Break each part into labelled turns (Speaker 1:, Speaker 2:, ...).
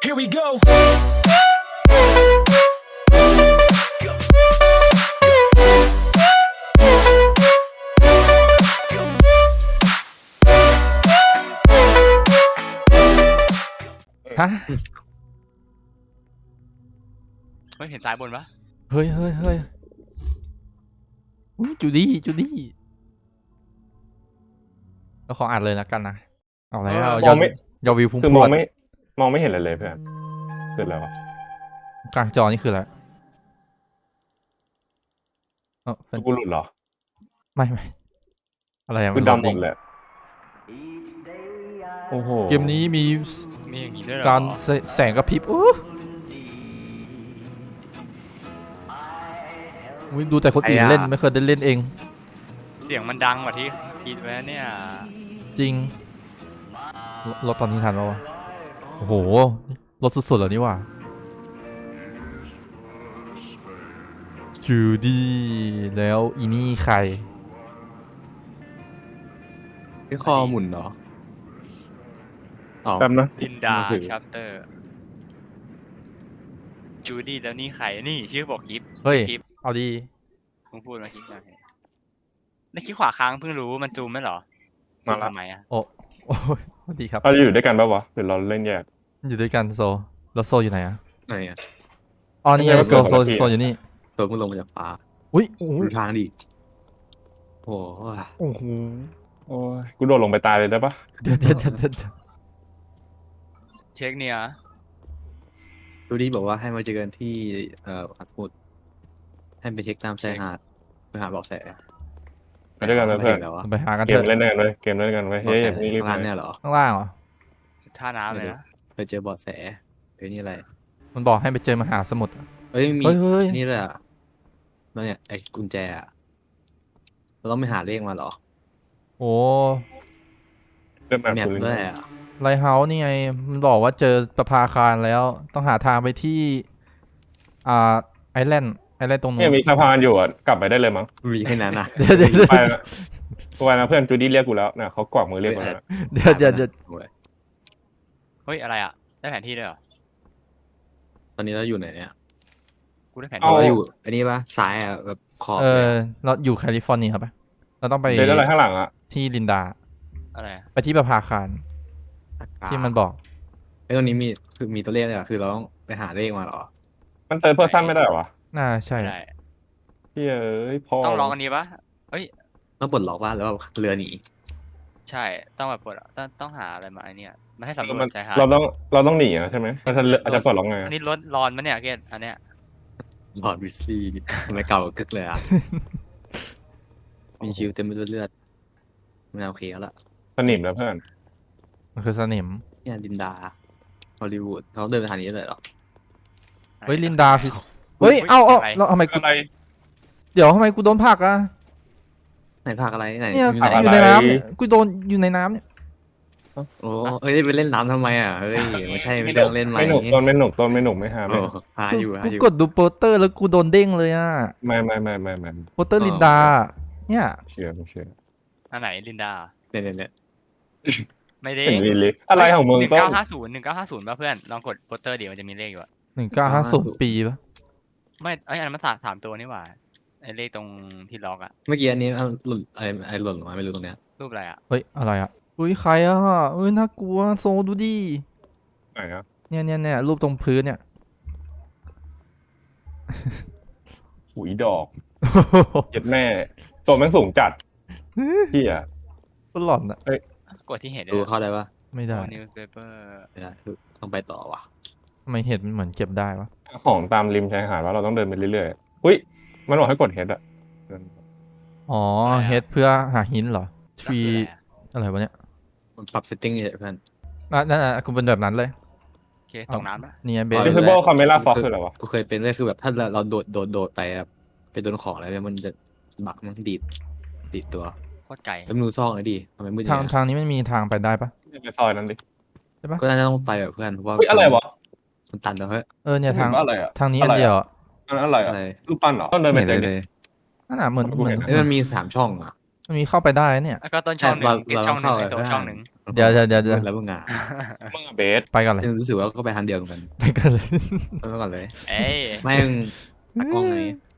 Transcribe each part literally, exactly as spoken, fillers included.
Speaker 1: Here we go.
Speaker 2: ฮะ
Speaker 3: ไม่เห็นซ้ายบนปะ
Speaker 2: เฮ้ยเฮ้ยเฮ้ยอุ๊ยจูดี้จูดี้เราขออ่านเลยนะกันนะเอาอะไรเอา
Speaker 4: ม
Speaker 2: ยอ
Speaker 4: อ
Speaker 2: ด
Speaker 4: งไม่
Speaker 2: ยอดวิวพุ่ง
Speaker 4: คือ
Speaker 2: พ
Speaker 4: ม
Speaker 2: ร
Speaker 4: อ
Speaker 2: ว
Speaker 4: ง
Speaker 2: ด
Speaker 4: ไม่มองไม่เห็นอะไรเลยเพื่อนเกิดอะไรวะ
Speaker 2: กลางจอนี่คืออะไรเออเป็น
Speaker 4: กูหลุดเหรอ
Speaker 2: ไม่ไม่อะไรอะ
Speaker 4: กู
Speaker 2: มัน
Speaker 4: ดำหม
Speaker 2: โล
Speaker 4: ด
Speaker 2: ง
Speaker 4: เลยโอ้โห
Speaker 2: เกมนี้มี
Speaker 3: มีอย่างนี้ด้วยเหรอ
Speaker 2: การแสแสงกระพริบอู้อุ๊ยดูแต่คนอื่นเล่นไม่เคยได้เล่นเอง
Speaker 3: เสียงมันดังกว่าที่คิดไว้เนี่ย
Speaker 2: จริงรรถตอนนี้ทันแล้ววะโอ้โหรถสุดๆแล้วนี่ว่ะจูดี้แล้วอีนี่ใคร
Speaker 5: พี่คอหมุนเหรออ๋อ
Speaker 4: แป๊บนะ
Speaker 3: ลินดา
Speaker 5: มือถือ
Speaker 3: ชัปเตอร์จูดี้แล้วนี่ใครนี่ชื่อบอกกิฟ
Speaker 2: เฮ้ย
Speaker 3: กิฟ
Speaker 2: เอาดี
Speaker 3: มึงพูดมาคิดยังไงในคลิปขวาค้างเพิ่งรู้มันจูมไหมเหรอจูมทำไมอ่ะ
Speaker 2: โอ้โอ้ยสวัสดีครับ
Speaker 4: เราจะอยู่ด้วยกันปะวะหรือเราเล่นแยก
Speaker 2: อยู่ด้วยกันโซ แล้วโซอยู่ไหนอะ
Speaker 5: ไหนอ่ะ
Speaker 2: อ๋อนี่ไง
Speaker 4: ไม่
Speaker 2: โซ
Speaker 4: ใช่
Speaker 2: โซ
Speaker 4: คนละที่
Speaker 2: โซอยู่นี่
Speaker 5: ตัวมึงลงมาจากฟ้า
Speaker 2: อุ้ยโอ้โห
Speaker 5: ดูทางดิโอ้โห
Speaker 2: โอ้โห
Speaker 4: โอ้ยกูโดดลงไปตายเลยได้ปะ
Speaker 2: เดี๋ยวเดี๋ยวเดี๋ยวเดี๋ยวเดี๋ยว
Speaker 3: เช็คเนี่ย
Speaker 5: ดูดิบอกว่าให้มาเจอกันที่เอ่ออัสมุดให้ไปเช็คตามชายหาดไปหาเบาะแส
Speaker 4: ไปด้วยกันนะเพื่อน
Speaker 5: แล้ววะ
Speaker 2: ไปหากัน
Speaker 4: เก
Speaker 2: เถ
Speaker 4: ม
Speaker 2: อะ
Speaker 4: เล่นด้วยกันเลยเกมเล่นด้วยกันไว้
Speaker 5: เบาะ
Speaker 4: เฮ้ย
Speaker 5: แส
Speaker 4: นี่รีบ
Speaker 5: ข้าง
Speaker 4: ไป
Speaker 5: ล่างเนี่ยเหรอ
Speaker 2: ข้างล่างเหรอ
Speaker 3: ท่าน้ำเลยนะ
Speaker 5: ไปเจอเบาะแสเอ้ยนี่อะไร
Speaker 2: มันบอกให้ไปเจอมหาสมุทรอะ
Speaker 5: เอ้ยมี
Speaker 2: เฮ้ยเฮ้ย
Speaker 5: นี่เลยอ่ะแล้วเนี่ยไอ้กุญแจอ่ะเราต้องไปหาเลขมาเหรอ
Speaker 2: โอ้
Speaker 4: เริ่มแบบ
Speaker 5: แมป
Speaker 4: กู
Speaker 5: ด้วยอ่ะ
Speaker 2: ไลท์เฮาส์นี่ไง มันบอกว่าเจอประภาคารแล้ว ต้องหาทางไปที่ อ่า ไอแลนด์ ไอแลนด์ตรงนู้
Speaker 4: เนี่ย
Speaker 2: น
Speaker 4: มีสะพานอยู่อ่ะกลับไปได้เลยมั้ง
Speaker 5: มีแค่นั้นอ่ะ
Speaker 2: เดี๋ยวเดี๋ยวเดี๋ยว
Speaker 4: ไปนะกูไปนะเพื่อนจูดี้เรียกกูแล้วนะเขากวักมือเรียกกูแล้วนะ
Speaker 2: เดี๋ยวเดี๋ยวเดี๋ยว
Speaker 5: โอ้ย
Speaker 3: เฮ้ยอะไรอ่ะได้แผนที่ด้วยเหรอ
Speaker 5: ตอนนี้เราอยู่ไหนเนี่ย
Speaker 3: กูได้แผน
Speaker 5: เรา
Speaker 3: ที่
Speaker 5: อยู่อันนี้ปะซ้ายอ่ะแบบขอบ
Speaker 2: เอ
Speaker 5: เลย
Speaker 2: อ
Speaker 5: อะ
Speaker 2: เราอยู่แคลิฟอร์เนียปะเราต้องไป
Speaker 4: เดี๋ยวอะไรข้างหลังอ่ะ
Speaker 2: ที่ลินดา
Speaker 3: อะไรอะ
Speaker 2: ไปที่ประภาคารที่มันบอก
Speaker 5: ไอ้ตรงนี้มีคือมีตัวเลขเลยเหรอ่ะคือเราต้องไปหาเลขมาเหรอ
Speaker 4: มันเติร์ดเพอร์ซันไม่ได้เหรอวะ
Speaker 2: น่าใช่
Speaker 3: ไม่ได้
Speaker 4: เฮ้ยเอ้ยพอ
Speaker 3: ต้องลองอันนี้ปะเอ้ย
Speaker 5: ต้องปลดล็อกว่าแล้วาเรือหนี
Speaker 3: ใช่ต้องแบบเปิดต้องต้องหาอะไรมาไอเนี่ยมาให้สำรว
Speaker 4: มัน
Speaker 3: จชายหาด
Speaker 4: เราต้องเราต้องหนีอ่ะใช่ไหมมันจะอาจจะปลดล็อกไง
Speaker 3: อันนี้รถร้อนมั้ยเนี่ยเกตอันเนี้ย
Speaker 5: หลอดวิสลี่ทำไมเก่ากึกเลยอ่ะ มีคิวเต็มไปด้วยเลือดไม่โอเคแล้วล่ะ
Speaker 4: สนิมแล้วเพื่อน
Speaker 2: มันคือสนิม
Speaker 5: เนี่ยลินดาฮอลลีวูดเขาเดินไปทางนี้เลยเหรอ
Speaker 2: เฮ้ยลินดาคือ เฮ้ย เอ้าเอ้าแล้วทำไมกู
Speaker 4: อะไร
Speaker 2: เดี๋ยวทำไมกูโดนผลักอะ
Speaker 5: ไหนภาคอะไรไหน
Speaker 2: เนี่ย
Speaker 5: มี
Speaker 2: กู
Speaker 5: ไหน
Speaker 2: อยู่ในน้ำเนี่ยกูโดนอยู่ในน้ำเนี่ย
Speaker 5: โอ้เอ้ยไปเล่นน้ำทำไมอ่ะเฮ้ยไม่ใช่ไม่เรื่องเล่นไหม
Speaker 4: ไม่หนุกต้นไม่หนุกต้นไม่หนุกไม่หา
Speaker 5: โอ้
Speaker 4: ไม่
Speaker 5: หาอยู่หา
Speaker 2: กู
Speaker 5: อยู่
Speaker 2: กดดูโปสเตอร์แล้วกูโดนเด้งเลยอะ
Speaker 4: ไม่ไม่ไม่ไม่ไม่
Speaker 2: โปสเตอร์ลินดา เนี่ย
Speaker 4: เชื่อไม่เชื่อ
Speaker 3: อันไหนลินดา
Speaker 5: เนี่ยเนี่ยเนี่ย
Speaker 3: ไม่ได้
Speaker 4: เห็นลีลิอะไรของมึง
Speaker 3: หนึ่ง
Speaker 4: ต้
Speaker 3: เก้าน ห้าศูนย์หนึ่งเก้าห้าศูนย์ป่ะเพื่อนลองกดโปสเตอร์เดี๋ยวมันจะมีเลขอยู่อะ
Speaker 2: หนึ่งเก้าห้าศูนย์ปีปะ
Speaker 3: ไม่ไอยอันนั้นมันสามสามตัวนี่หว่าไอเลขตรงที่ล็อกอะ
Speaker 5: เมื่อกี้อันนี้เอาหล่นไอ้ไอ้หล่นลงมาไม่รู้ตรงเนี้ย
Speaker 3: รูปอะไรอะ
Speaker 2: เฮ้ย อะไรอะอุ้ยใครอะเอ้ย น่ากลัว โซดูดิ
Speaker 4: ไหนอ่ะ
Speaker 2: เนี่ยเนี่ยเนี่ยรูปตรงพื้นเนี่ย
Speaker 4: หุยดอกเจ็บแม่ตัวแม่งสูงจัดพี่อ่ะ
Speaker 2: ก็หลอนอะ
Speaker 3: กดที่เห็น
Speaker 5: ดูเข้าได้ปะ
Speaker 2: ไม่ได้
Speaker 3: นิวส์เพเปอร์
Speaker 5: ไม่ได้คือต้องไปต่อว่ะ
Speaker 2: ทำไมเห็ดมันเหมือนเก็บได้วะ
Speaker 4: ของตามริมชายหาดว่าเราต้องเดินไปเรื่อยๆอุ้ยมันบอกให้กดเฮดอ่ะ
Speaker 2: อ๋อ เห็ดเพื่อหาหินเหรอทรีอะไรวะเนี่ย
Speaker 5: มันปรับเซตติ้งเฉยๆเพื่อน
Speaker 2: อ่ะนั่นอ่ะกูเป็นแบบนั้นเลย
Speaker 3: โอเคตกน้ำปะ
Speaker 2: เนี่ยเบ
Speaker 5: อ๋
Speaker 2: ส
Speaker 5: อ
Speaker 4: Visible Camera Fox คืออะไรวะ
Speaker 5: กูเคยเป็นเลยคือแบบถ้าเราเราโดดโดดโดดไปแบบไปโดนของอะไรเนี่ยมันจะบักมันดีดดีดตัว
Speaker 3: โคตรไก่
Speaker 5: แล้วมึงดูซอกเลยดิทำไมมืดอ
Speaker 2: ทา
Speaker 5: ย่าง งเงี้ย
Speaker 2: ทางนี้มันมีทางไปได้ปะ
Speaker 4: ไปซอยนั้นดิ
Speaker 5: ก็น่าจะต้องไปแบบเพื่อนเพราะว่า
Speaker 4: อุ้ยอะไรวะ
Speaker 5: มันตันแล้วเฮ้ย
Speaker 2: เออเนี่ยทาง
Speaker 4: เห็นว่าอะไรอ่ะ
Speaker 2: ทางนี้อันเดียวอะ
Speaker 4: อันนั้นอะไรอ่ะ
Speaker 5: อะไร
Speaker 4: รูปปั้นเหรอต้นเดินไป
Speaker 5: เห็น
Speaker 4: เต็
Speaker 5: เล
Speaker 4: ม
Speaker 5: ย
Speaker 4: ดิ
Speaker 5: เลย
Speaker 2: นั่นน่ะเหมือน
Speaker 4: กู
Speaker 2: เหมื
Speaker 4: เห็
Speaker 2: อน
Speaker 4: น
Speaker 5: เอ้ยมันมีสามช่องอ่ะ
Speaker 2: มันมีเข้าไปได้เนี่ย
Speaker 3: แล้วก็ต้นช่องหนึ่ง
Speaker 5: เรา
Speaker 3: เกต
Speaker 5: เรา
Speaker 3: ช่องหนึ่ง
Speaker 5: เข้า
Speaker 3: ไอ
Speaker 5: ไป
Speaker 3: ตัว
Speaker 5: ข้าง
Speaker 3: ช่องหนึ่ง
Speaker 2: เดี๋ยวเดี๋ยวเดี๋ยวเดี๋ยว
Speaker 5: แล้วมึงอ่ะ
Speaker 4: มึงอะเบส
Speaker 2: ไปก่อนเลย
Speaker 5: ยังรู้สึกว่าก็ไปทางเดียวกัน
Speaker 2: ไปก่อนเลย
Speaker 5: ไปก่อนเลย
Speaker 3: เอ้ย
Speaker 5: ไม่มึงตากล้องไง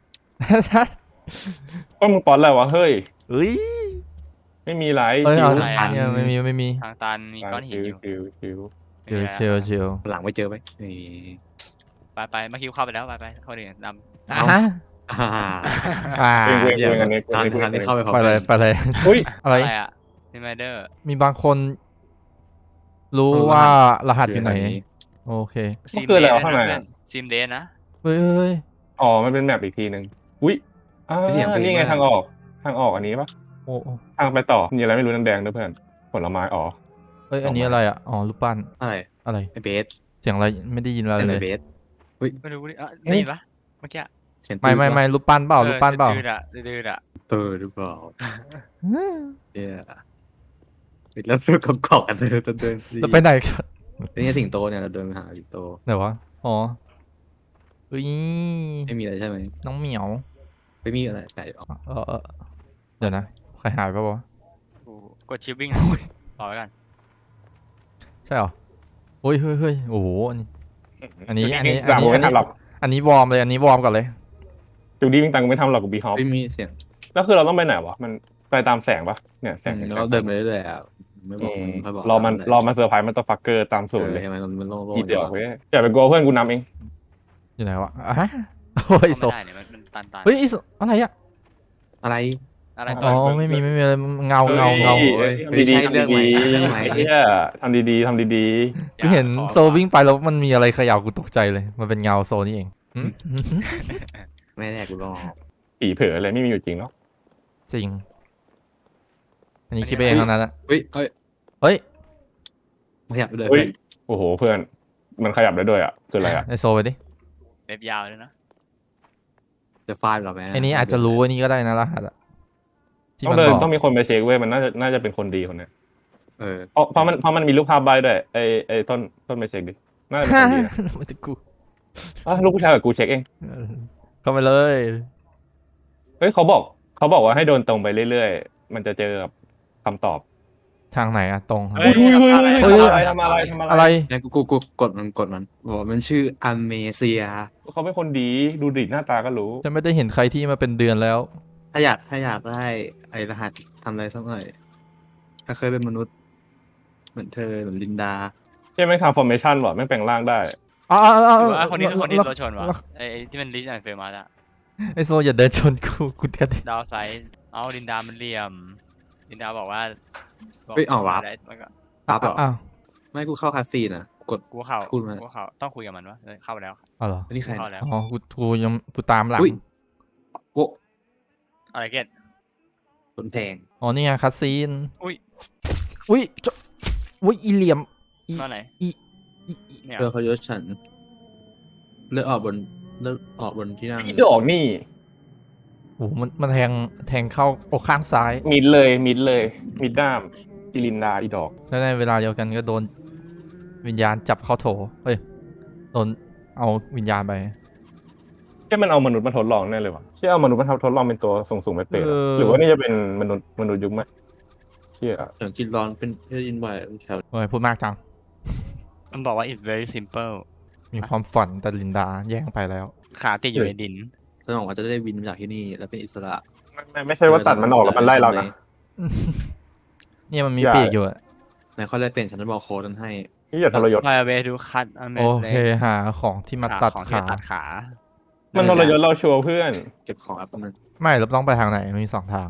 Speaker 4: ก็มึงป้อนอะไรวะเฮ้ย
Speaker 2: เฮ้ย
Speaker 4: ไม่มีไร
Speaker 2: เอ้ย
Speaker 4: ชิ
Speaker 2: เอา
Speaker 4: ว
Speaker 2: เนี่ยไม่มีไม่มี
Speaker 3: ทางตันมีก้อนหิน
Speaker 4: ชิว
Speaker 3: อยู่
Speaker 4: ชิวชิว
Speaker 2: เชียวเชียวเชียว
Speaker 5: หลังไม่เจอไหมนี่
Speaker 3: ไปไปมาคิวเข้าไปแล้วไปไปคนอื่นดำ
Speaker 2: อ่ะฮะ
Speaker 5: อ่า
Speaker 2: อ่า
Speaker 4: เองเองเองอันนี้
Speaker 5: ทาง
Speaker 4: เอง
Speaker 5: ทางที่เข้าไปพร้อม
Speaker 2: ไป
Speaker 5: กั
Speaker 2: เลย
Speaker 5: น
Speaker 2: ไปเลย
Speaker 4: อุ้ย
Speaker 2: อะไร
Speaker 3: อะไรอ่ะนิมเดอร์
Speaker 2: มีบางคนรู้ว่ารหัสอยู่ไหน โอเค
Speaker 4: มันคืออะไรวะข้างในอะ
Speaker 3: ซิมเดนนะ
Speaker 2: เฮ้ยเฮ้ยเฮ้ย
Speaker 4: อ๋อมันเป็นแมปอีกทีหนึ่งอุ้ยอ่านี่ไงทางออกทางออกอันนี้ปะ
Speaker 2: โอ้โอ้
Speaker 4: ทางไปต่อมีอะไรไม่รู้นั่นแดงด้วยเพื่อนผลไม้อ๋อ
Speaker 2: เอ้ยอันนี้อะไรอ่ะอ๋อรูปปั้น
Speaker 5: อะไร
Speaker 2: อะไร
Speaker 5: ไอเบส
Speaker 2: เสียงอะไรไม่ได้ยินอะไร
Speaker 5: เป็น
Speaker 2: เล
Speaker 5: ไอย เบส
Speaker 3: ไม่รู้ดิอ่ะได้ยินปะเมื่อกี้
Speaker 5: เสียง
Speaker 2: ไม่ไม่ไม่รูปปั้นเปล่ารูปปั้นเปล่า
Speaker 3: ดื้อๆอ่ะดื้อๆอ่ะ
Speaker 5: เออหรือเปล่าเย้แล้วเรื่องกอกๆกันเดินเดิน
Speaker 2: จะไปไหนกัน
Speaker 5: นี่สิงโตเนี่ยเราเดินไปหาสิงโต
Speaker 2: ไหนวะอ๋อเฮ้ย
Speaker 5: ไม่มีอะไรใช่ไหม
Speaker 2: น้องเหมียว
Speaker 5: ไม่มีอะไรแต่ออก
Speaker 2: เออเออเดี๋ยวนะใครหายไปวะ
Speaker 3: กูกดชิปวิ่งต่อไปกัน
Speaker 2: ใช่เหรอเฮ้ยเฮ้ยเฮ้ยโอ้โหอันนี้ อันนี้อันนี้
Speaker 4: หลังกูไม่ทันหรอก
Speaker 2: อันนี้วอร์มเลยอันนี้วอร์มก่อนเลย
Speaker 4: จูดี้วิ่งตังกูไม่ทำหรอกกูบีฮอป
Speaker 5: ไม่มีเสียง
Speaker 4: แล้วคือเราต้องไปไหนวะมันไปตามแสงปะเนี่ยแสง
Speaker 5: แล้วเราเดินไปเรื่อยๆอ่ะไม่บอกมันค่อยบอก
Speaker 4: รอมันรอมันเซอร์ไพรส์มันตัวฟักเกอร์ตามสูตรเลย
Speaker 5: ใช่ไหมมันมันโล่ง
Speaker 4: อี
Speaker 5: ๆ
Speaker 4: เดียวเว้ยอย่าไปกลัวเพื่อนกูนำเอง
Speaker 2: อยู่ไหนวะอ่ะฮะโอ้ยโซ
Speaker 3: ไม่ได้เนี่ยมันมันตันตัน
Speaker 2: เฮ้ยไอ้โซอะไรอะ
Speaker 5: อะไร
Speaker 3: อะไร
Speaker 2: อ๋อไม่มีไม่มีอะไรเงาเงาเงา
Speaker 4: เฮ้ย
Speaker 5: ไม่ใช่
Speaker 4: ทำ
Speaker 5: เรื่องใหม่
Speaker 4: ดีๆ
Speaker 5: เรื่องใหม่
Speaker 4: ไอ้เหี้ยทำดีๆทำดี
Speaker 2: กูเห็นโซวิ่งไปแล้วมันมีอะไรเขย่ากูตกใจเลย มันเป็นเงาโซนี่เองหืมหืมหืม
Speaker 5: ไม่แน่กูรอ
Speaker 4: ๆผีเผลออะไรไม่มีอยู่จริงเนาะ
Speaker 2: จริง อันนี้คิดไปเองเท่านั้นแหละ
Speaker 5: เฮ้ยเฮ้ย
Speaker 2: เฮ้ย
Speaker 5: ขยับไปเลย
Speaker 4: เฮ้ยโอ้โหเพื่อนมันขยับได้ด้วยอ่ะคืออะไรอ่ะ
Speaker 2: ไอโซไปดิ
Speaker 3: เล็บยาวเลยนะ
Speaker 5: จะฟาดหรอแม่
Speaker 2: ไอนี้อาจจะรู้ไอันนี้ก็ได้นะรหัสอะที่
Speaker 4: ต้อ
Speaker 2: มั
Speaker 4: ง
Speaker 2: น
Speaker 4: เดิน
Speaker 2: บอก
Speaker 4: ต้องมีคนไปเช็คเว้ยมันน่าจะน่าจะเป็นคนดีคนเนี้ย
Speaker 5: เออ
Speaker 4: เพราะเพราะมันเพราะมันมีรูปภาพใบด้วยไอไอต้นต้นไปเช็คดิน่าจะเป็นคนดีนะ
Speaker 2: ไม่ถึงกู
Speaker 4: อ่ะลูกผู้ชายกับกูเช็คเอง
Speaker 2: เออเข้าไปเลย
Speaker 4: เฮ้ยเขาบอกเขาบอกว่าให้เดินตรงไปเรื่อยๆมันจะเจอกับคำตอบ
Speaker 2: ทางไหนอะตรง
Speaker 3: เฮ้ย
Speaker 2: เฮ้ย
Speaker 4: ทำอะไรทำอะไรทำอะไร
Speaker 2: อะไร
Speaker 5: งั้นกูกูกูกดมันกดมันบอกว่ามันชื่ออเมเซีย
Speaker 4: เขาเป็นคนดีดูดิหน้าตาก็รู้
Speaker 2: จะไม่ได้เห็นใครที่มาเป็นเดือนแล้ว
Speaker 5: ถ้าอยากถ้าอยากได้ไอ้รหัสทำอะไรสักหน่อย ถ้าเคยเป็นมนุษย์ เหมือนเธอเหมือนลินดา
Speaker 4: ใช่ไหมทำฟอร์เมชันหรอไม่งแปลงร่างได้
Speaker 2: อ๋ออ๋ออ๋อ
Speaker 3: หรือว่าคนนี้คือคนที่
Speaker 2: แล้ว
Speaker 3: รถชนวะไอ้ไอ้ที่มันลิชแอนด์เฟมัสอะ
Speaker 2: ไอโซอย่าเดินชนกูกูกันดิ
Speaker 3: ดาวไซด์เอาลินดามันเหลี่ยมลินดาบอกว่า
Speaker 5: เฮ้ยเอาวะ
Speaker 3: ได้มันก็
Speaker 5: ปั๊บเหรอ
Speaker 2: อ้าว
Speaker 5: ไม่กูเข้าคาซีนอ่ะ กด
Speaker 3: กูเข้า
Speaker 5: พูดมา
Speaker 3: กูเข้าต้องคุยกับมันวะเออเข้าไปแล้ว
Speaker 2: อ๋อเหรอ
Speaker 5: อันนี้ใคร
Speaker 3: เข้าแล้ว
Speaker 2: อ๋อกูกูยังกูตามหลัง
Speaker 5: อุ้ยโว้
Speaker 3: อะไรเกต
Speaker 5: โดนแทง
Speaker 2: อ๋อนี่ไงคัสซีน
Speaker 3: อุ้ย
Speaker 2: อุ้ยจะอุ้ยอีเหลี่ยมอี
Speaker 3: มาไหน
Speaker 2: อีอีอี
Speaker 3: เนี่ย
Speaker 5: เรือเขายศฉัน เลือดออกบนเลือดออกบนที่นั่ง
Speaker 4: อีดอกนี่
Speaker 2: โอ้โหมันมันแทงแทงเข้าอกข้างซ้าย
Speaker 4: มิดเลยมิดเลยมิดด้ามจิลินดาอีดอก
Speaker 2: แล้วในเวลาเดียวกันก็โดนวิญญาณจับเข้าโถเฮ้ยโดนเอาวิญญาณไป
Speaker 4: ใช่มันเอามนุษย์มาทดลองแน่เลยวะใช่เอามนุษย์มาทดลองเป็นตัวสูงสูงๆไปเปรต
Speaker 2: เออ
Speaker 4: หรือว่านี่จะเป็นมนุษย์มนุษย์ยุคใหม่เชี่ย
Speaker 5: อย่างกินร้อนเป็นเพื่อยินบ่อยแถว
Speaker 2: เฮ้ยพูดมากจัง
Speaker 3: มันบอกว่า it's very simple
Speaker 2: มีความฝันแต่ลินดาแย่งไปแล้ว
Speaker 3: ขาติดอยู่ในดิน
Speaker 5: แล้วบอกว่าจะได้บินมาจากที่นี่แล้วเป็นอิสระ
Speaker 4: ไม่ไม่ไม่ใช่ว่าตัดมันออกแล้วมันไล่เรานะ
Speaker 2: เนี่ยมันมี
Speaker 4: อย่า
Speaker 2: ปีกอยู่อะ
Speaker 5: ไหนเขาได้เปลี่ยนฉันจะบอกโค้ดนั้นให้
Speaker 4: นี่อย่าทรยศ
Speaker 3: Fly away to cut a
Speaker 2: โอเคหาของที่มาตัด
Speaker 3: ของที่
Speaker 2: ขา
Speaker 3: ตัดขา
Speaker 4: มันทรยศเราชัวร์เพื่อน
Speaker 5: เก็บของแอปมัน
Speaker 2: ไม่เราต้องไปทางไหนมันมีสองทาง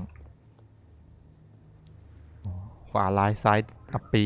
Speaker 2: อ๋อขวาลายซ้ายอัปปี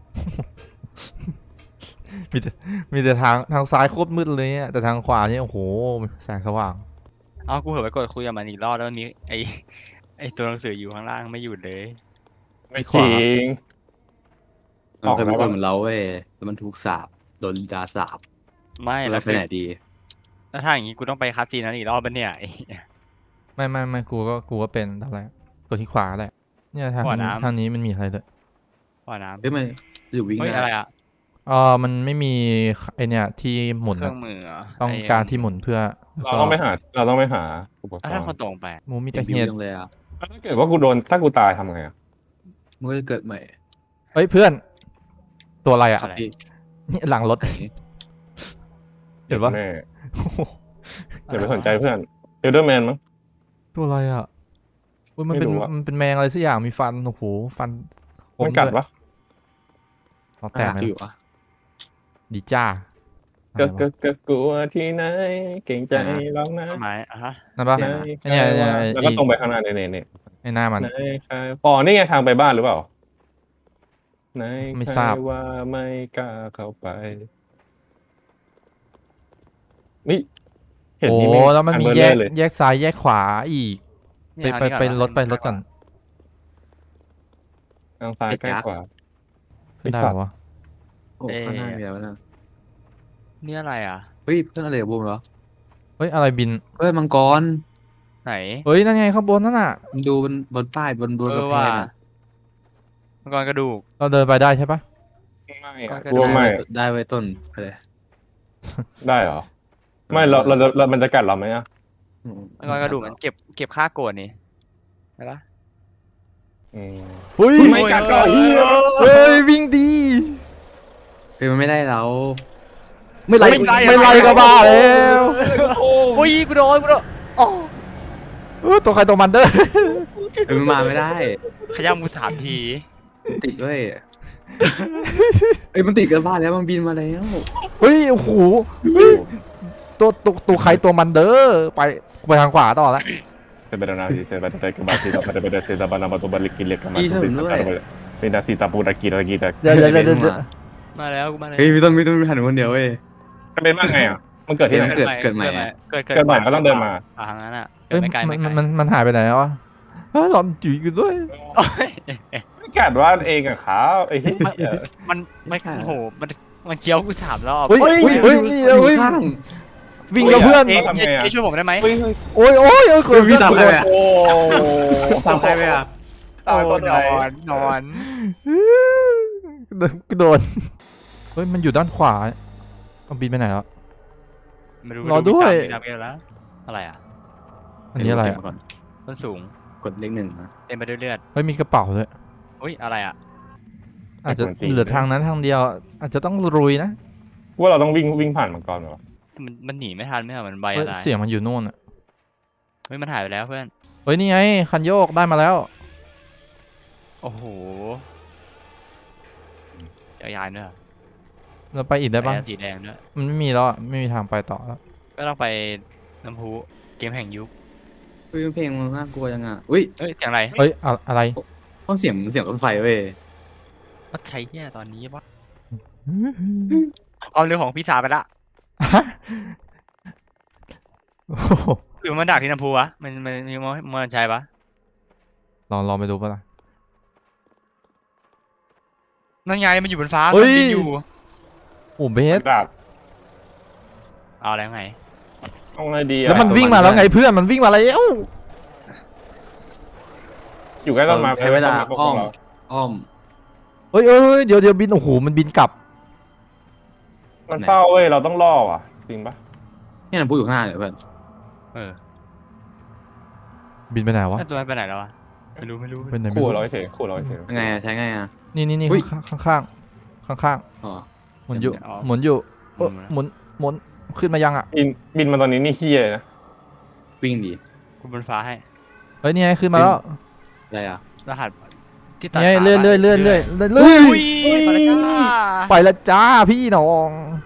Speaker 2: มีแต่มีแต่ทางทางซ้ายโคตรมืดเลยเนี่ยแต่ทางขวานี่โอ้โหแสงสว่าง
Speaker 3: เอากูเผลอไปกดคุยกับมันอีกรอบแล้วมันมีไอไอตัวหนังสืออยู่ข้างล่างไม่หยุดเลย
Speaker 4: ไม่จริง
Speaker 5: มันเคยเป็น
Speaker 4: ออก
Speaker 5: ค
Speaker 4: แล้ว
Speaker 5: นเหมือนเราเว้ยแล้วมันถูกสาบโดนลินดาสาบ
Speaker 3: ไม่
Speaker 5: แล้
Speaker 3: แล้ว ว
Speaker 5: ไป
Speaker 3: คือ
Speaker 5: ไหนดี
Speaker 3: แล้วถ้าอย่างงี้กูต้องไปคัสซีนนั้นอีกรอบปะเนี่ยไอ้
Speaker 2: ไม่ไม่ไม่กูก็กูก็เป็นทำอะไรกดที่ขวาแหละเนี่ยทาง
Speaker 3: ขวา
Speaker 2: นี้
Speaker 3: น้ำ
Speaker 2: ทางนี้มันมีอะไรด้วย
Speaker 3: ว่าน้ำ
Speaker 5: เฮ้ยมันอยู่วิ่ง
Speaker 3: เฮ้ย
Speaker 5: ได้
Speaker 3: อะไรอ่ะ
Speaker 2: เออมันไม่มีไอเนี่ยที่หมุน
Speaker 3: เครื่
Speaker 2: อะ
Speaker 3: องมือเหร
Speaker 2: ต้อง
Speaker 3: ไ
Speaker 2: การที่หมุนเพื่อ
Speaker 4: เราต้องไปหาเราต้องไปหาอุปก
Speaker 3: แล้ว
Speaker 4: ร
Speaker 3: ถ้า
Speaker 4: ณ์
Speaker 3: คนตรงไป
Speaker 2: มูมิ
Speaker 5: เห็
Speaker 2: ตะ
Speaker 5: นวิ
Speaker 2: เฮี
Speaker 5: วย จังเลยอ่ะ
Speaker 4: ถ้าเกิดว่ากูโดนถ้ากูตายทำไงอะ
Speaker 5: มันก็จะเกิดใหม่
Speaker 2: เเฮ้ยเพื่อน ตัวอะไรอ่ะ
Speaker 3: อะไร
Speaker 5: พี่
Speaker 2: นี่หลังรถ
Speaker 5: ไหน
Speaker 2: เห็นปะ
Speaker 4: แม่อย่าไปสนใจเพื่อนเอลเดอร์แมนมั้ง
Speaker 2: ตัวอะไรอ่ะอุ้ยมันเป็น
Speaker 4: ไม่รู้อะ
Speaker 2: มันเป็นแมงอะไรสักอย่างมีฟันโอ้โหฟันค
Speaker 4: มันกัด
Speaker 2: ด้วย
Speaker 4: ปะ
Speaker 2: เราแต
Speaker 5: แต่
Speaker 2: กไหม
Speaker 5: อยู่อ่ะ
Speaker 2: ดีจ้า
Speaker 4: ก็
Speaker 2: อะไร
Speaker 4: ก็
Speaker 2: วะ
Speaker 4: ก็กลัวที่ไหนเก่งใจร้องนะ
Speaker 3: ต้นไม้อ่ะฮะ
Speaker 2: นั่นปะ
Speaker 4: ไหน
Speaker 2: ไอ้เนี่ยไอ้เนี่ยไอ้
Speaker 4: แล้วก็ตรงไปข้างหน้าเนี่ยเนี่ยเนี่ย
Speaker 2: ไอ้หน้ามัน
Speaker 4: ไหนใครอ๋อนี่ไงทางไปบ้านหรือเปล่าไหน
Speaker 2: ไม่
Speaker 4: ใค
Speaker 2: ทราบ
Speaker 4: ว่าไม่กล้าเข้าไปนี่เห็น
Speaker 2: โอ้
Speaker 4: นี่
Speaker 2: แล้วมันมี
Speaker 4: อัเบอร์
Speaker 2: แย
Speaker 4: เลอก ร์เลย
Speaker 2: แยกซ้ายแยกขวาอีก ไป
Speaker 3: เนี่ย
Speaker 2: ไป
Speaker 3: ทาง
Speaker 2: ไป
Speaker 3: นี้
Speaker 2: รถไป
Speaker 3: เห
Speaker 2: รถก่อน
Speaker 4: ทางซ้ายใกล้กว่า
Speaker 2: ขึ้นได้เหรอวะ
Speaker 5: โอ้ข้างหน้ามีอะไรวะเนะ
Speaker 3: นี่อะไรอ่ะ
Speaker 5: เฮ้ยเพื่อนอะไรกับบูมเหรอ
Speaker 2: เฮ้ยอะไรบิน
Speaker 5: เฮ้ยมังกร
Speaker 3: ไหน
Speaker 2: เฮ้ยนั่นไงข้างบนนั่นน่ะ
Speaker 5: มันดูบนบนป้ายบนบน
Speaker 3: เอก
Speaker 5: ระ
Speaker 3: อ
Speaker 5: แพ
Speaker 3: ว่าง
Speaker 5: อะ
Speaker 3: มังกรกระดูก
Speaker 2: เราเดินไปได้ใช่ปะ
Speaker 4: ไม่อะ
Speaker 3: ก็
Speaker 4: กลัวไม่
Speaker 5: ได้ไว้ต้นไปเลย
Speaker 4: ได้เหรอไม่เราเราเรามันจะกัดเราไหมอะ
Speaker 5: อืม
Speaker 3: มังกรกระดูกมันเก็บเก็บค่าโกรธนี่เห็นปะ
Speaker 4: อืม
Speaker 2: เฮ้ย
Speaker 4: ไม่กัดก็
Speaker 3: โอ้ย
Speaker 2: เฮ้ยวิ่งดี
Speaker 5: เฮ้ยมันไม่ได้เรา ไม่ไล่
Speaker 2: ไม่ไล่ไม่ไล่ก็บ้าแล้ว
Speaker 3: โอ้ยกูโดนกูโดนโอ้
Speaker 2: เออตัวใครตัวมันเด้อ
Speaker 5: เฮ้ยมันมาไม่ได้
Speaker 3: ขย้ำกูสามที
Speaker 5: มันติดด้วยเอ้ยมันติดกันบ้านแล้วมันบินมาแล้ว
Speaker 2: เฮ้ยโอ้โหเฮ้ยตัวตัวตัวใครตัวมันเด้อไปไปทางขวาต่อละ
Speaker 4: Sebenarnya saya kembali kepada pada saya zaman batu balik kilik kembali pindah sita pura kira kita
Speaker 2: เดี๋ยวเดี๋ยวเดี๋ยวเดี๋ยว
Speaker 3: มาแล้วกูมาแล้ว
Speaker 5: เฮ้ยมีต้นมีต้นมีหันคนเดียวเว้ย
Speaker 4: จะเป็นว่าไงอ่ะมันเกิดที่ไหน
Speaker 5: เกิดเกิดใหม่อะ
Speaker 3: เกิด
Speaker 4: เกิดใหม่ก็ต้องเดินมา
Speaker 3: อ่ะทางนั้นอ่ะเกิ
Speaker 2: เฮ้
Speaker 3: ด
Speaker 2: ย
Speaker 3: ไม่ไกล
Speaker 2: มั
Speaker 3: ไม่
Speaker 2: น
Speaker 3: ไกล
Speaker 2: มันมันหายไปไหนแล้ววะเฮ้ยหลอนจีกันด้วย
Speaker 3: โอ้ย
Speaker 4: ไม่กัดว่าเองอะขาไอ้เหี้ย
Speaker 3: มันมันโอ้โหมันมันเคี้ยวกูสามรอบ
Speaker 2: เฮ้ยเฮ้ยเฮ้ยนี่
Speaker 5: อยู่
Speaker 2: เฮ้ย
Speaker 5: ข้าง
Speaker 2: วิ่งแล้วเพื่อน
Speaker 3: เอ๊ะเอ๊ะเอ๊ะช่วยผมได้ไหม
Speaker 4: เฮ้ยเฮ้ย
Speaker 2: โอ้ยโอ้ยโอ้ยเกิด
Speaker 5: พี่
Speaker 2: เกิด
Speaker 5: ทำอะไรอะ
Speaker 4: โอ้
Speaker 5: ทำใครไปอ่ะ
Speaker 4: ตายต้น
Speaker 3: น
Speaker 4: ไหน
Speaker 3: อนนอน
Speaker 2: กระโดดเฮ้ยมันอยู่ด้านขวาเอาบินไปไหนแล้ว
Speaker 3: ไม่รู้
Speaker 2: รอด้วย
Speaker 3: ไม่รู้ไม่รู้แล้วอะไรอ่ะ
Speaker 2: อันนี้อะไร
Speaker 5: เก็
Speaker 2: อะ
Speaker 5: บก่อน
Speaker 3: ต้นสูง
Speaker 5: กดเลขหนึ่งนะ
Speaker 3: เต็มไปด้วยเลือด
Speaker 2: เฮ้ยมีกระเป๋าด้วย
Speaker 3: อุ้ยอะไรอ่ะ
Speaker 2: อาจจะเหลือทางนั้นทางเดียว อาจจะต้องรุยนะ
Speaker 4: ว่าเราต้องวิ่งวิ่งผ่านมังกรเหรอ
Speaker 3: มันมันหนีไม่ทันไม่เหรอมันใบ
Speaker 2: เฮ้ย
Speaker 3: อะไร
Speaker 2: เสียงมันอยู่นู่นอ่ะ
Speaker 3: เฮ้ยมันหายไปแล้วเพื่อน
Speaker 2: เฮ้ยนี่ไงคันโยกได้มาแล้ว
Speaker 3: โอ้โหยาวๆด้วยเหรอ
Speaker 2: เราไปอีกได้ปะ
Speaker 3: แอร์สีแดงด้วย
Speaker 2: มันไม่มีแล้วอะไม่มีทางไปต่อแล้ว
Speaker 3: ก็ต้องไปน้ำพุเกมแห่งยุค
Speaker 5: เฮ้ยเพลงมันน่ากลัวจังอ่ะอุ้ย
Speaker 3: เอ้ยเสียงอะไร
Speaker 2: เฮ้ยอะอะไร
Speaker 5: ต้นเสียงเสียงรถไฟเว้ย
Speaker 3: ก็ใช้เหี้ยตอนนี้วะความเร็วของพี่สาวไปละ
Speaker 2: โอ้โห
Speaker 3: หรือมันดักที่น้ำพุวะมันมันมันมันมันใช่ปะ
Speaker 2: ลองลองไปดูปะล่ะ
Speaker 3: นั่นไงมันอยู่บนฟ้า
Speaker 2: เฮ้
Speaker 3: มัน
Speaker 2: ย
Speaker 3: บินอยู่
Speaker 2: โอ้เบส
Speaker 4: ดาบ
Speaker 3: เอาแล้วไง
Speaker 4: เอาไงดีอะ
Speaker 2: แล้วมันวิ่งมาแล้วไงเพื่อนมันวิ่งมาแล้ว
Speaker 4: อยู่ใกล้ต้นไม้
Speaker 5: ใช้เวลา
Speaker 4: พวก
Speaker 5: อ้อม
Speaker 4: เรา
Speaker 5: อ้อม
Speaker 2: เฮ้ยเอ้ยเดี๋ยวเดี๋ยวบินโอ้โหมันบินกลับ
Speaker 4: มันเฝ้าเว้ยเราต้องล่ออ่ะจริงปะ
Speaker 5: นี่มันพูดอยู่ข้างหน้าเลยเพื่อน
Speaker 3: เออ
Speaker 2: บินไปไหนวะ
Speaker 3: แล้วตัวนั้นไปไหนแล้ววะไม่รู้ไม่รู้
Speaker 2: เป็นไหนไม่
Speaker 4: ขู่
Speaker 2: รู้
Speaker 4: เราเฉยขู่เราเฉย
Speaker 5: ยังไงอะใช้ไงอ่ะ
Speaker 2: นี่นี่นี่
Speaker 5: อุ๊ย
Speaker 2: ข้างข้างข้างข้าง
Speaker 5: อ๋อ
Speaker 2: ๆหมุนอยู่หมุนอยู่เอ้อหมุนหมุนขึ้นมายังอ่ะ
Speaker 4: บินบินมาตอนนี้นี่เฮียเลยนะ
Speaker 5: วิ่งดี
Speaker 3: กูบนฟ้าให้
Speaker 2: เฮ้ยนี่ไงขึ้นมาแล้ว
Speaker 5: อะไรอ่ะ
Speaker 3: รหัสที่ตัด
Speaker 2: นี่ไง
Speaker 3: ขา
Speaker 2: เลื่อนเลื่อนเลื่อนเลื่อนเลื่อนเลื่
Speaker 3: อุ้
Speaker 2: อน
Speaker 3: ยไปแล้วจ้า
Speaker 2: ไปละจ้าพี่น้อง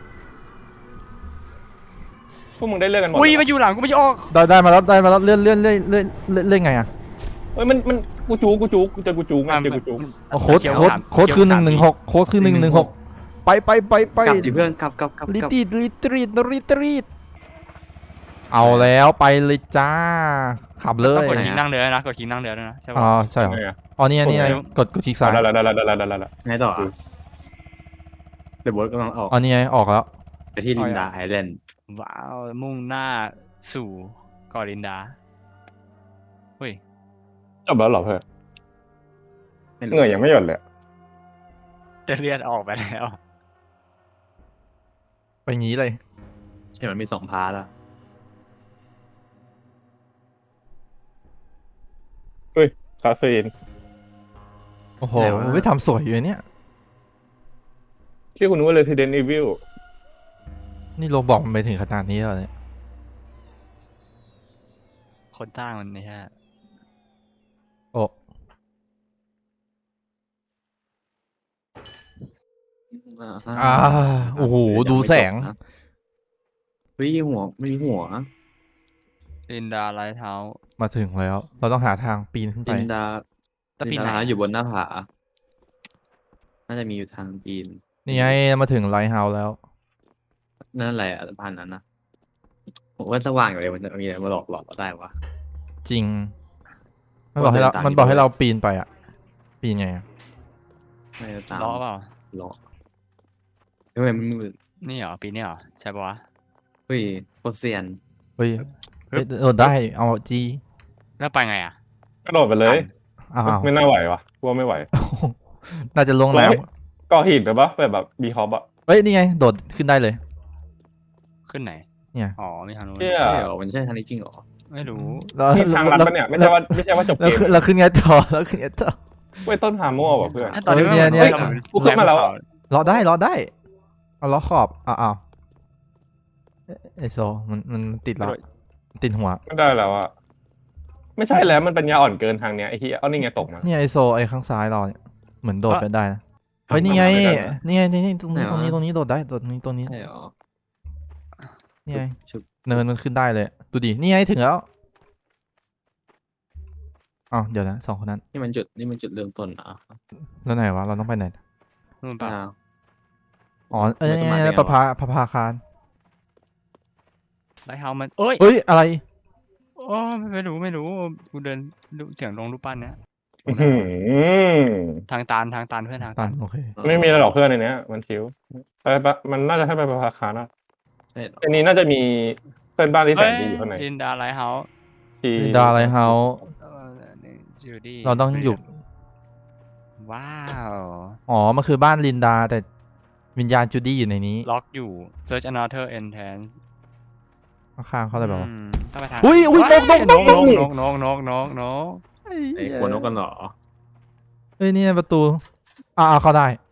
Speaker 4: พวกมึงได้เลือกกันหมด
Speaker 3: อุ้ย
Speaker 4: เหรอ
Speaker 3: มาอยู่หลังกูไม่ใช่ออก
Speaker 2: ได้ได้มาแล้วได้มาแล้วเลื่อนเลื่อนเลื่อนเลื่อนเลื่อนเลื่อนไงอ่ะ
Speaker 4: เฮ้ยมันมันกูจูกูจูกูเจอกูจูไงเจอกูจู
Speaker 2: อ๋อโค้ดโค้ดโค้ดคือหนึ่งหนึ่งหกโค้ดคือหนึ่งหนึ่งหกไปไปไปไป
Speaker 5: กลับดิเพื่อนกลับกลับกลับ
Speaker 2: ลิ
Speaker 5: กลับ
Speaker 2: ตรีดลิตรีดลิตรีดเอาแล้วไปเลยจ้าขับเล
Speaker 3: ต้อง
Speaker 2: ย
Speaker 3: กดคลิกนั่งเรือนะกดคลิกนั่งเรือด้วยนะใช่
Speaker 2: อ๋อ
Speaker 3: ปะ
Speaker 2: ใช่เหรอ
Speaker 4: ไงอะ
Speaker 2: อ๋อนี่ไงนี่ไงกดกดคลิกซ้าย
Speaker 4: ได้แล้วได้แล้วได้แล้วได้แล้ว
Speaker 5: ไงต่ออะเดี๋ยวโบอสกำลังออก
Speaker 2: อ๋อนี่ไงออกแล้ว
Speaker 5: ไปที่ลินดาไอแลนด์
Speaker 3: ว้าวมุ่งหน้าสู่เกอรินดาเฮ้ย
Speaker 4: จบแล้วเหรอเพื่อน
Speaker 5: ไม่
Speaker 4: เห
Speaker 5: รู้
Speaker 4: นื่อยยังไม่หย่อนเลย
Speaker 3: จะเลื่อนออกไปแล้ว
Speaker 2: ไปงี้เลย
Speaker 5: เห็นมันมีสองพาร์ทอะ
Speaker 4: คาเฟอีน
Speaker 2: โอ้โหไม่ทำสวยอยู่เนี่ย
Speaker 4: ที่คุณนึกว่า Resident Evil
Speaker 2: นี่โรบอกมันไปถึงขนาดนี้แล้วเนี่ย
Speaker 3: คนสร้างมันไม่ใช่
Speaker 2: โอ้ อ่าโอ้โหดูแสง
Speaker 5: เฮ้ยหัวไม่มีหัว
Speaker 3: ลินดาไลท์เฮาส์
Speaker 2: มาถึงแล้ว เราต้องหาทางปีนขึ้นไป
Speaker 5: ลินดา
Speaker 3: แต่
Speaker 5: ลิ
Speaker 3: ปี
Speaker 5: น
Speaker 3: ไหน
Speaker 5: ดา
Speaker 3: อะ
Speaker 5: อยู่บนหน้าผา น่าจะมีอยู่ทางปีน
Speaker 2: นี่ไงมาถึงไลท์เฮาส์แล้ว
Speaker 5: นั่นแหละสะพานนั้นนะผมว่าสว่างอยู่เลยมันจะมีอะไรมาหลอกหลอกเราได้วะ
Speaker 2: จริง มันบอกให้เรา
Speaker 5: เดินตาม
Speaker 2: มันบอก
Speaker 5: อยู่
Speaker 2: ให้เราปีนไปอ่ะ ปีนไงอะ
Speaker 5: ไม่ได้ตาม
Speaker 3: ล้อเปล่า
Speaker 5: หลอกทำไมมันมืด
Speaker 3: นี่เหรอปีนี่เหรอใช่ปะวะ
Speaker 5: เฮ้ยโคตรเซียน
Speaker 2: เฮ้ยเฮ้ยโดดได้ เอาจี
Speaker 3: แล้วไปไงอ่ะ
Speaker 4: กระโดดไปเลย
Speaker 2: อ้าว
Speaker 4: ไม่น่าไหววะกลัวไม่ไหว
Speaker 2: น่าจะลงน้
Speaker 4: เฮ้ย ก่อหินไปปะแบบแบบบีคอปอะ
Speaker 2: ำเฮ้ย นี่ไง โดดขึ้นได้เลย
Speaker 3: ขึ้นไหน
Speaker 2: เนี่ย
Speaker 3: อ๋อมีทางนู้น
Speaker 4: เชี่ย
Speaker 5: ใช่เหรอมันใช่ทางนี้จริงเหรอ
Speaker 3: ไม่รู้
Speaker 2: แล้ว
Speaker 4: ที่ทางลัดปะเนี่ยไม่ใช่ว่าไม่ใช่ว่าจบ
Speaker 2: แล้
Speaker 4: เก
Speaker 2: ว
Speaker 4: ม
Speaker 2: ขึ้นแล้วขึ้นไงต่อแล้วขึ้นไงต่อ
Speaker 4: เว้ยต้นหาโม่ว่ะเพื่อน
Speaker 3: ไอ้ตอนนี้
Speaker 2: เออเนี่ย
Speaker 3: มั
Speaker 2: เนี่ย
Speaker 4: กูขึ้นมาแล้วอะ
Speaker 2: รอได้รอได้ เอาล้อขอบอ้าวอ้าวเอ๊ะไอโซ มันมันติดแล้วติดหัว
Speaker 4: ไม่ได้แล้วอะไม่ใช่แล้วมันปัญญาอ่อนเกินทางเนี้ยไอ้เหี้ยเอานี่ไงตกมา
Speaker 2: เนี่ยไอโซไอข้างซ้ายเราเนี่ยเหมือนโดดไปได้นะเฮ้ยนี่ไง
Speaker 4: ไม่ได้นะ
Speaker 2: นี่ไงนี่นี่ตรงนี้ตรงนี้ตรงนี้โดดได้โดดนี้ตรงนี้
Speaker 5: ใช่เหรอ
Speaker 2: นี่ไง
Speaker 5: ชุบ
Speaker 2: เนินมันขึ้นได้เลยดูดินี่ไงถึงแล้วอ้าวเดี๋ยวนะสองคนนั้น
Speaker 5: นี่มันจุดนี่มันจุดเริ่มต้นนะ
Speaker 2: แล้วไหนวะเราต้องไปไหน
Speaker 3: นู่นปะ
Speaker 5: อ้าว
Speaker 2: อ๋อเอ้ย
Speaker 5: มันจะมา
Speaker 2: นี่
Speaker 5: ได้
Speaker 2: ไง
Speaker 5: ไงวะ
Speaker 2: ประภาประภาคาร
Speaker 3: ไลท์เฮาส์มันเอ้ย
Speaker 2: เอ้ยอะไร
Speaker 3: โอ้ไม่รู้ไม่รู้กูเดินดูเสียงลงรูปปั้นเนี้ย
Speaker 4: อื้อหือ
Speaker 3: ทางตานทางตานเพื่อนทาง
Speaker 2: ตั
Speaker 3: ตาน น
Speaker 2: โอเค
Speaker 4: ไม่มีอะไรหรอกเพื่อนในเนี้ยมันชิวไปปะมันน่าจะให้ไปประภาคารนะ
Speaker 5: ใช่เหรอ
Speaker 4: อันนี้น่าจะมีเพื่อนบ้านที่แส
Speaker 3: เฮ้
Speaker 4: น
Speaker 3: ย
Speaker 4: ดีอยู่ข้างใน
Speaker 3: ลินดาไลท์เฮาส์
Speaker 4: ที่
Speaker 2: ดาไลท์เฮาส์
Speaker 3: เออนี่จูดี้
Speaker 2: เราต้องอยู่
Speaker 3: ว้าว
Speaker 2: อ๋อมันคือบ้านลินดาแต่วิญญาณจูดี้อยู่ในนี้
Speaker 3: ล็อกอยู่ search another entrance
Speaker 2: ข้างๆเขาเลยบอกว่า
Speaker 3: อืมต้องไปทาง
Speaker 2: อุ้ยอุ้ยนกนกนกนก
Speaker 3: นกนกนกนกนก
Speaker 5: ไอ้หัวนกกันเหรอ
Speaker 2: เฮ้ยนี่ประตูอ่าเข้าได้